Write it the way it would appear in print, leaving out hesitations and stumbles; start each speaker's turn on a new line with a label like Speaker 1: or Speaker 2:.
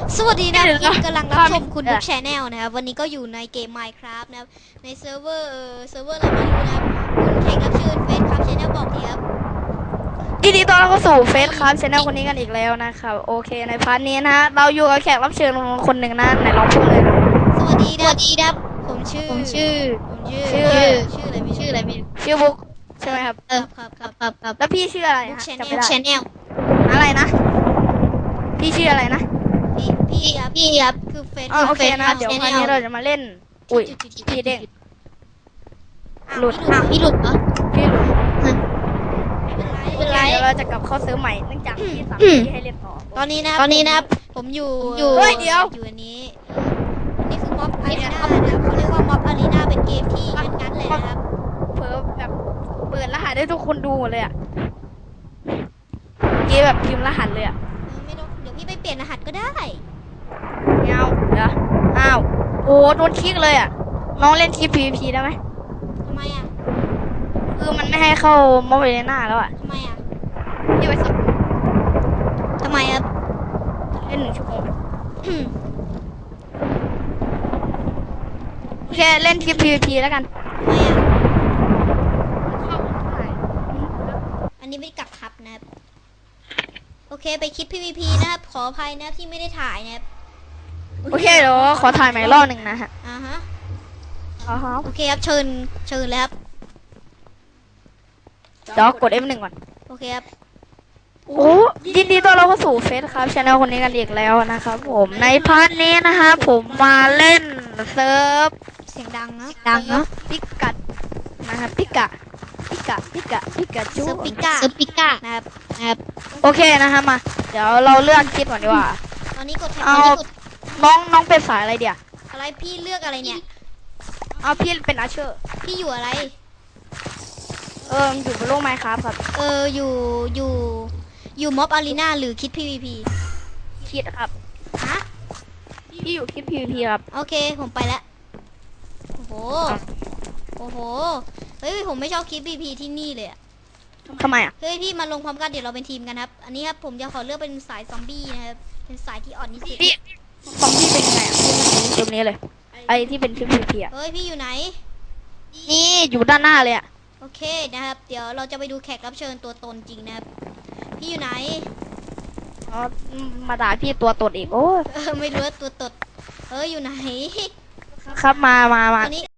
Speaker 1: สวัสดีนะที่กำลังรับชมคุณบุ๊กแชนแนลนะครับวันนี้ก็อยู่ในเกม Minecraft นะครับในเซิร์ฟเวอร์อะไรไม่รู้นะครับคุณแขกรับเชิญเฟซครับแชนแนลบอกทีครับ
Speaker 2: ยินดีต้อนรับเข้าสู่เฟซครับชแนลคนนี้กันอีกแล้วนะครับโอเคในพาร์ทนี้นะฮะเราอยู่กับแขกรับเชิญคนหนึ่งนะไหนลองพูดเลยนะ
Speaker 1: สวัสดีนะครับผมชื่ออะไรไม่
Speaker 2: ชื่อบุ๊กใช่ไหมครับ
Speaker 1: ครับ
Speaker 2: แล้วพี่ชื่ออะไรฮะจำไม่ได้
Speaker 1: แชนแนล
Speaker 2: อะไรนะพี่ชื่ออะไรนะ
Speaker 1: พี่ครับคือเฟซ
Speaker 2: โอเคนะเดี๋ยวพาร์ทนี้เราจะมาเล่นอุ้ยพี่เด้งหลุด
Speaker 1: พี่หลุดเหรอ
Speaker 2: พี่หลุด
Speaker 1: เป็นไร
Speaker 2: เดี๋ยวเราจะกลับเข้าซื้อใหม่เนื่องจากพี่สั่งพี่ให้เล่นต่อ
Speaker 1: ตอนนี้นะครับผมอยู่
Speaker 2: เดี๋ยว
Speaker 1: อยู่อันนี้นี่คือม็อบอารีนานะครับเขาเรียกว่าม็อบอารีนาเป็นเกมที่งั้นเลยนะครับ
Speaker 2: เผลอแบบเปิดรหัสให้ทุกคนดูหมดเลยอ่ะเกมแบบพิมพ์รหัสเลยอ่ะ
Speaker 1: ไม่ต้องเดี๋ยวพี่ไปเปลี่ยนรหัสก็ได้
Speaker 2: เงาเดี๋ยวอ้าวโอ้โดนคลิกเลยอ่ะน้องเล่นคลิป PVP ได้ไหม
Speaker 1: ทำไมอ่ะ
Speaker 2: คือมันไม่ให้เข้าม็อบอารีนาแล้วอ่ะ
Speaker 1: ทำไมอ่ะ
Speaker 2: พี่ไปสัก
Speaker 1: ทำไมครับ
Speaker 2: เล่น1 ชั่วโมงโอเคเล่นคลิป PVP แล้วกัน
Speaker 1: ทำไมอ่ะอันนี้ไม่กักครับนะครับโอเคไปคลิป PVP นะครับขออภัยนะที่ไม่ได้ถ่ายนะครับ
Speaker 2: โอเคเดี๋ยวขอถ่ายใหม่รอบหนึ่งนะฮะ
Speaker 1: โอเคครับเชิญเลยครับ
Speaker 2: เดี๋ยวกด F1 ก่อน
Speaker 1: โอเคครับ
Speaker 2: โอ้ยินดีต้อนรับเข้าสู่เฟซครับชาแนลคนนี้กันอีกแล้วนะครับผมในพาร์ทนี้นะคะผมมาเล่นเซิร์ฟ
Speaker 1: เสียงดังนะ
Speaker 2: พิกัดนะครับพิกะจู
Speaker 1: เซิร์ฟปิก้านะครับ
Speaker 2: โอเคนะคะมาเดี๋ยวเราเลือกคิดก่อนดีกว่า
Speaker 1: ตอนนี้กดแท็บ
Speaker 2: น้องเป็นสายอะไรเดี๋ยว
Speaker 1: อะไรพี่เลือกอะไรเนี่ย
Speaker 2: เอาพี่เป็นอาเชอร์
Speaker 1: พี่อยู่อะไร
Speaker 2: อยู่บนโลกไมค์ครับ
Speaker 1: อยู่ม็อบอารีนาหรือคิด PVP
Speaker 2: คิดครับ
Speaker 1: ฮะ
Speaker 2: พี่อยู่คิด PVP ครับ
Speaker 1: โอเคผมไปแล้วโอ้โหเฮ้ยผมไม่ชอบคิด PVP ที่นี่เลยอะ
Speaker 2: ทำไมอ่ะ
Speaker 1: เฮ้ยพี่มาลงพร้อมกันเดี๋ยวเราเป็นทีมกันครับอันนี้ครับผมจะขอเลือกเป็นสายซอมบี้นะครับเป็นสายที่อ่อนที่สุด
Speaker 2: พี่ซอมบี้เป็นยังไงอ่ะพี่ตรงนี้เลยไอที่เป็นคิด PVP อ่ะ
Speaker 1: เฮ้ยพี่อยู่ไหน
Speaker 2: นี่อยู่ด้านหน้าเลยอ่ะ
Speaker 1: โอเคนะครับเดี๋ยวเราจะไปดูแขกรับเชิญตัวตนจริงนะครับพี่อยู่ไหน
Speaker 2: มาด่าพี่ตัวตนอีกโอ้
Speaker 1: ไม่รู้ว่าตัวตนอยู่ไหน
Speaker 2: ครับมา
Speaker 1: ตอนนี้